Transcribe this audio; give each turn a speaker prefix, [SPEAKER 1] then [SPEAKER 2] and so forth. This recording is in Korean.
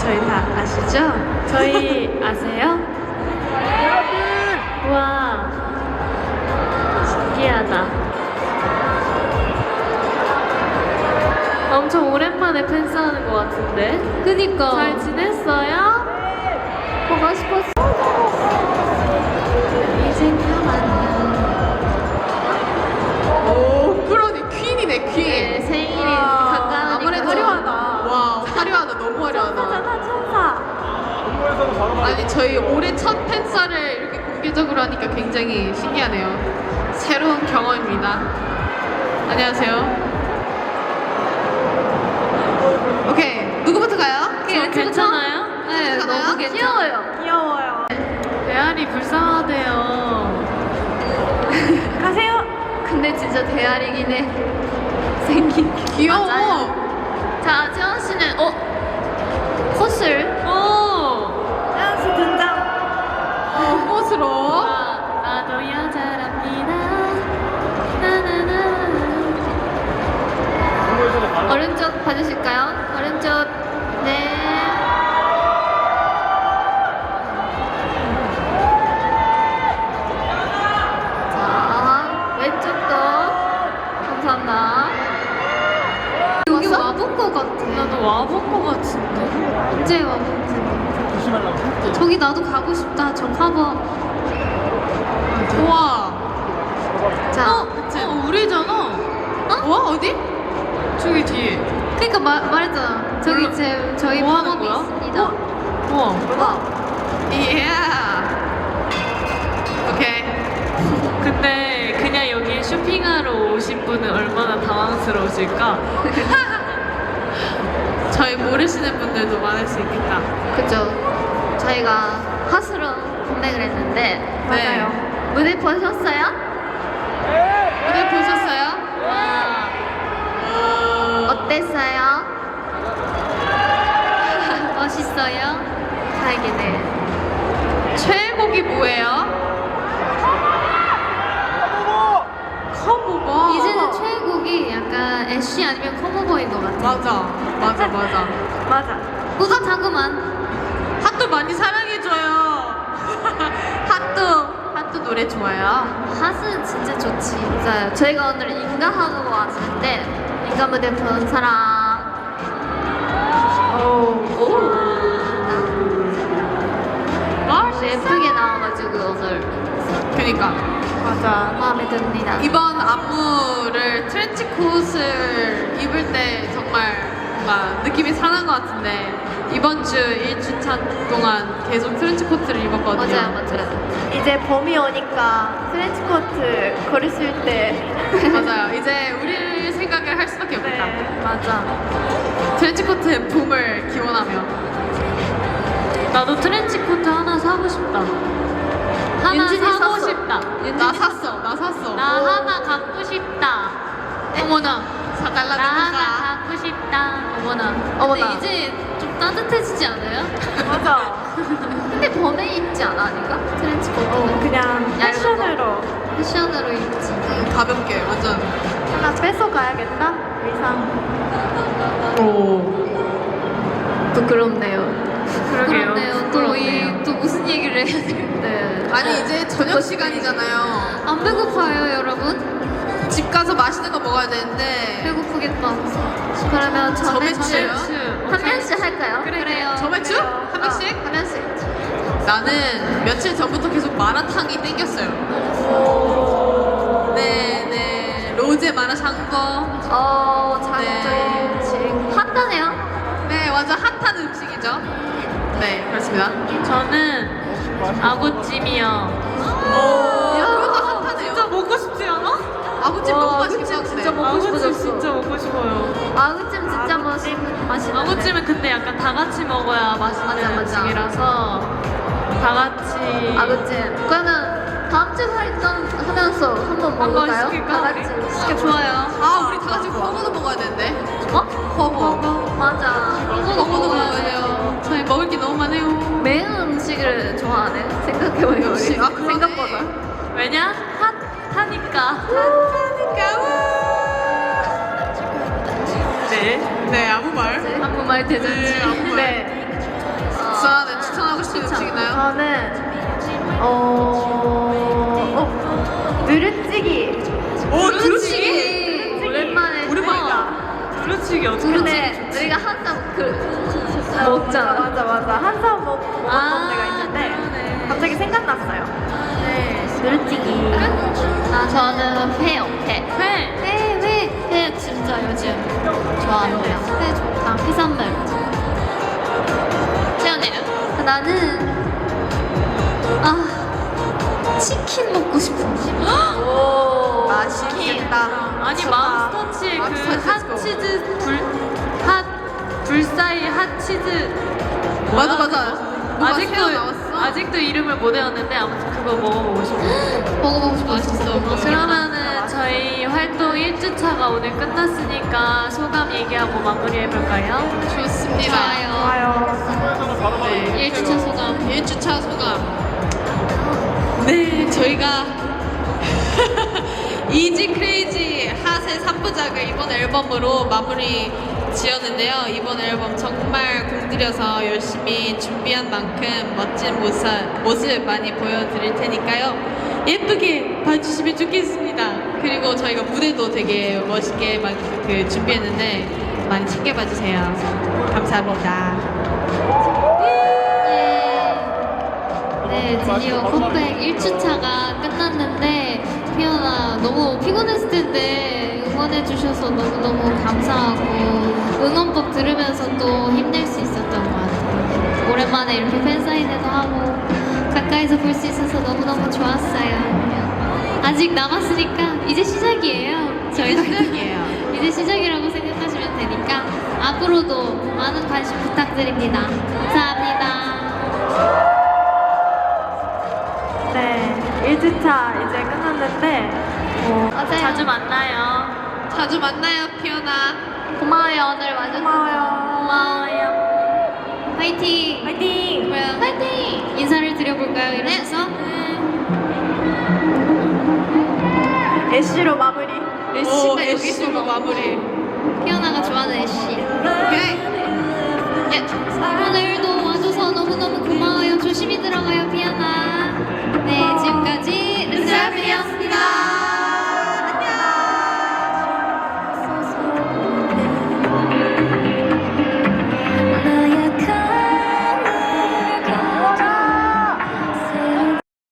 [SPEAKER 1] 저희 다 아시죠?
[SPEAKER 2] 저희 아세요? 우와, 신기하다. 엄청 오랜만에 팬싸하는 것 같은데.
[SPEAKER 3] 그니까
[SPEAKER 2] 잘 지냈어요?
[SPEAKER 3] 보고 싶었어.
[SPEAKER 2] 이젠 그만이야.
[SPEAKER 1] 오, 그러니 퀸이네, 퀸.
[SPEAKER 2] 네, 생일이
[SPEAKER 1] 와,
[SPEAKER 2] 가까우니까
[SPEAKER 1] 아무래도
[SPEAKER 3] 화려하다.
[SPEAKER 1] 와, 화려하다, 너무 화려하다.
[SPEAKER 3] 천사잖아, 천사.
[SPEAKER 1] 아니, 저희 올해 첫 팬싸를 이렇게 공개적으로 하니까 굉장히 신기하네요. 새로운 경험입니다. 안녕하세요. 오케이, 누구부터 가요?
[SPEAKER 2] 저 괜찮아요?
[SPEAKER 3] 네,
[SPEAKER 1] 괜찮아요?
[SPEAKER 3] 너무 귀여워요. 귀여워요.
[SPEAKER 2] 대알이 불쌍하대요.
[SPEAKER 3] 가세요. 근데 진짜 대알이긴 해. 생긴 게.
[SPEAKER 1] 귀여워.
[SPEAKER 2] 맞아요. 자, 재원 씨는 컷을. 오.
[SPEAKER 3] 댄스 등장.
[SPEAKER 1] 멋스러워.
[SPEAKER 2] 나도 여자랍니다. 나나나.
[SPEAKER 3] 오른쪽 봐주실까요? 오른쪽. 네. 자, 왼쪽도. 감사합니다. 여기 와본 것 같아.
[SPEAKER 2] 나도 와본 것 같은데.
[SPEAKER 3] 언제 와본지. 저기 나도 가고 싶다. 저 커버.
[SPEAKER 1] 우와.
[SPEAKER 3] 자,
[SPEAKER 1] 그치?
[SPEAKER 2] 우리잖아.
[SPEAKER 1] 우와, 어디?
[SPEAKER 2] 저기 뒤에.
[SPEAKER 3] 그러니까 말했잖아. 저기
[SPEAKER 2] 몰라.
[SPEAKER 3] 저희
[SPEAKER 2] 뭐 하는
[SPEAKER 3] 팝업이
[SPEAKER 2] 거야?
[SPEAKER 3] 있습니다.
[SPEAKER 2] 우와.
[SPEAKER 3] 와.
[SPEAKER 1] 예. 오케이.
[SPEAKER 2] 근데 그냥 여기 쇼핑하러 오신 분은 얼마나 당황스러우실까?
[SPEAKER 1] 저희 모르시는 분들도 많을 수 있겠다.
[SPEAKER 3] 그죠. 저희가 핫으로 컴백을 했는데
[SPEAKER 1] 맞아요.
[SPEAKER 3] 무대 보셨어요?
[SPEAKER 1] 무대 보셨어요?
[SPEAKER 2] 와.
[SPEAKER 3] 어땠어요? 멋있어요? 다행이네.
[SPEAKER 1] 최애곡이 뭐예요? 커버가.
[SPEAKER 3] 이제는 최애곡이 약간 애쉬 아니면 커버보인 것 같아.
[SPEAKER 1] 맞아.
[SPEAKER 3] 맞아. 뿌듯하구만.
[SPEAKER 1] 핫도 많이 사랑해줘요. 핫도 노래 좋아요.
[SPEAKER 3] 핫은 진짜 좋지. 맞아요. 저희가 오늘 인가하고 왔는데 인가 무대 본 사람. 예쁘게 나와가지고 오늘
[SPEAKER 1] 그니까.
[SPEAKER 3] 맞아 마음에 듭니다.
[SPEAKER 1] 이번 안무를 트렌치 코트를 입을 때 정말 뭔가 느낌이 상한 것 같은데 이번 주 1주차 동안 계속 트렌치 코트를 입었거든요.
[SPEAKER 3] 맞아요.
[SPEAKER 4] 이제 봄이 오니까 트렌치코트 걸으실 때
[SPEAKER 1] 맞아요. 이제 우리를 생각을 할 수밖에 없겠다.
[SPEAKER 4] 네.
[SPEAKER 2] 맞아.
[SPEAKER 1] 트렌치 코트의 붐을 기원하며.
[SPEAKER 2] 나도 트렌치 코트 하나 사고 싶다. 하나
[SPEAKER 3] 윤진이
[SPEAKER 2] 사고
[SPEAKER 3] 샀어.
[SPEAKER 2] 싶다.
[SPEAKER 1] 나 샀어.
[SPEAKER 2] 나 하나 갖고 싶다.
[SPEAKER 1] 어머나
[SPEAKER 2] 나
[SPEAKER 1] 사달라는
[SPEAKER 2] 하나
[SPEAKER 1] 거가.
[SPEAKER 2] 갖고 싶다. 어머나.
[SPEAKER 3] 근데 이제 좀 따뜻해지지 않아요?
[SPEAKER 4] 맞아.
[SPEAKER 3] 근데 봄에 입지 않아 아닌가? 트렌치코트는
[SPEAKER 4] 그냥
[SPEAKER 3] 얇은
[SPEAKER 4] 패션으로
[SPEAKER 3] 패션으로 입지.
[SPEAKER 1] 가볍게 완전.
[SPEAKER 4] 하나 뺏어 가야겠다. 의상.
[SPEAKER 1] 오.
[SPEAKER 3] 부끄럽네요.
[SPEAKER 2] 그러게요.
[SPEAKER 3] 또 무슨 얘기를 해야 되는데.
[SPEAKER 1] 아니 이제 저녁 시간이잖아요.
[SPEAKER 3] 안 배고파요 여러분?
[SPEAKER 1] 집 가서 맛있는 거 먹어야 되는데.
[SPEAKER 3] 배고프겠다. 그러면
[SPEAKER 1] 점액추요?
[SPEAKER 3] 한 명씩 할까요? 그래요.
[SPEAKER 1] 점액추? 한 명씩?
[SPEAKER 3] 한 명씩.
[SPEAKER 1] 나는 며칠 전부터 계속 마라탕이 땡겼어요. 네. 로제 마라샹궈.
[SPEAKER 3] 저희
[SPEAKER 1] 네.
[SPEAKER 3] 지금 핫하네요.
[SPEAKER 1] 네, 완전 핫한 음식이죠. 네, 그렇습니다.
[SPEAKER 2] 저는 아구찜이요.
[SPEAKER 1] 그것도 핫하네요.
[SPEAKER 2] 진짜 먹고 싶지 않아?
[SPEAKER 1] 아구찜 너무 맛있겠다.
[SPEAKER 3] 아구찜
[SPEAKER 1] 근데.
[SPEAKER 3] 진짜 먹고
[SPEAKER 2] 아구찜
[SPEAKER 3] 싶어졌어.
[SPEAKER 2] 진짜 먹고 싶어요.
[SPEAKER 3] 아구찜 진짜 맛있는데.
[SPEAKER 2] 아구찜은 근데 약간 다 같이 먹어야 맛있는
[SPEAKER 3] 맞아.
[SPEAKER 2] 음식이라서 다 같이.
[SPEAKER 3] 아구찜. 그러면 다음 주 활동 하면서 한번 먹을까요?
[SPEAKER 2] 시킬까,
[SPEAKER 3] 다
[SPEAKER 2] 우리?
[SPEAKER 3] 같이.
[SPEAKER 2] 시켜, 좋아요.
[SPEAKER 1] 아, 우리 다 같이 버거도 먹어야 되는데.
[SPEAKER 3] 어?
[SPEAKER 1] 버거.
[SPEAKER 3] 맞아.
[SPEAKER 1] 버거도 먹어야 돼요. 저희 먹을 게 너무 많아요.
[SPEAKER 3] 매운 음식을 좋아하네. 생각해보니까 우리.
[SPEAKER 1] 역시. 아, 그러네.
[SPEAKER 3] 생각보다.
[SPEAKER 2] 왜냐? 핫하니까.
[SPEAKER 1] 네, 아무 말.
[SPEAKER 3] 한국말 대잔치.
[SPEAKER 1] 네, 아무 말.
[SPEAKER 4] 네.
[SPEAKER 1] 옥상에 추천하고 싶은 음식 있나요?
[SPEAKER 4] 저는 누르찌기.
[SPEAKER 1] 오, 두루치기!
[SPEAKER 3] 오랜만에
[SPEAKER 2] 두루치기 어떻게
[SPEAKER 4] 근데
[SPEAKER 3] 우리가 항상
[SPEAKER 4] 먹잖아. 맞아. 한 사람 먹었던
[SPEAKER 2] 아,
[SPEAKER 4] 데가 있는데
[SPEAKER 2] 그러네.
[SPEAKER 4] 갑자기 생각났어요. 네, 누르찌기.
[SPEAKER 3] 저는 회요. 회 진짜 요즘 좋아합니다. 회 좋다. 해산물. 채연이는? 나는 치킨 먹고 싶어.
[SPEAKER 4] 오, 맛있겠다.
[SPEAKER 2] 아니
[SPEAKER 4] 좋다.
[SPEAKER 2] 맘스터치의 그
[SPEAKER 1] 맘스터치
[SPEAKER 2] 핫치즈 불사이 핫치즈
[SPEAKER 1] 맞아.
[SPEAKER 2] 뭐야?
[SPEAKER 1] 누가 새로 나왔어?
[SPEAKER 2] 아직도 이름을 못 외웠는데 아무튼 그거 먹어보고 싶어요.
[SPEAKER 3] 먹어보고 싶어.
[SPEAKER 1] 맛있어.
[SPEAKER 2] 그러면은 저희 활동 1주차가 오늘 끝났으니까 소감 얘기하고 마무리해볼까요?
[SPEAKER 1] 좋습니다.
[SPEAKER 4] 좋아요.
[SPEAKER 1] 네, 1주차 소감. 1주차 소감. 네, 저희가 이지 크레이지 핫의 3부작을 이번 앨범으로 마무리 지었는데요. 이번 앨범 정말 공들여서 열심히 준비한 만큼 멋진 모습 많이 보여드릴 테니까요. 예쁘게 봐주시면 좋겠습니다. 그리고 저희가 무대도 되게 멋있게 준비했는데 많이 챙겨봐주세요. 감사합니다.
[SPEAKER 3] 네, 드디어 컴백 1주차가 끝났는데 피어나 너무 피곤했을 텐데 응원해주셔서 너무너무 감사하고 응원법 들으면서 또 힘낼 수 있었던 것 같아요. 오랜만에 이렇게 팬사인회도 하고 가까이서 볼 수 있어서 너무너무 좋았어요. 아직 남았으니까 이제 시작이에요. 저희가
[SPEAKER 1] 시작이에요.
[SPEAKER 3] 이제 시작이라고 생각하시면 되니까 앞으로도 많은 관심 부탁드립니다. 감사합니다.
[SPEAKER 4] 네, 1주차 이제 끝났는데
[SPEAKER 3] 맞아요.
[SPEAKER 2] 자주 만나요.
[SPEAKER 1] 자주 만나요, 피오나.
[SPEAKER 3] 고마워요. 오늘 와줘서
[SPEAKER 4] 고마워요.
[SPEAKER 3] 고마워요. 화이팅!
[SPEAKER 4] 화이팅!
[SPEAKER 3] 화이팅! 인사를 드려볼까요? 이러면서
[SPEAKER 4] 애쉬로 마무리.
[SPEAKER 1] 오, 애쉬로 마무리.
[SPEAKER 3] 피어나가 좋아하는 애쉬.
[SPEAKER 1] 오케이.
[SPEAKER 3] 오늘도 와줘서 너무너무 고마워요. 조심히 들어가요, 피어나.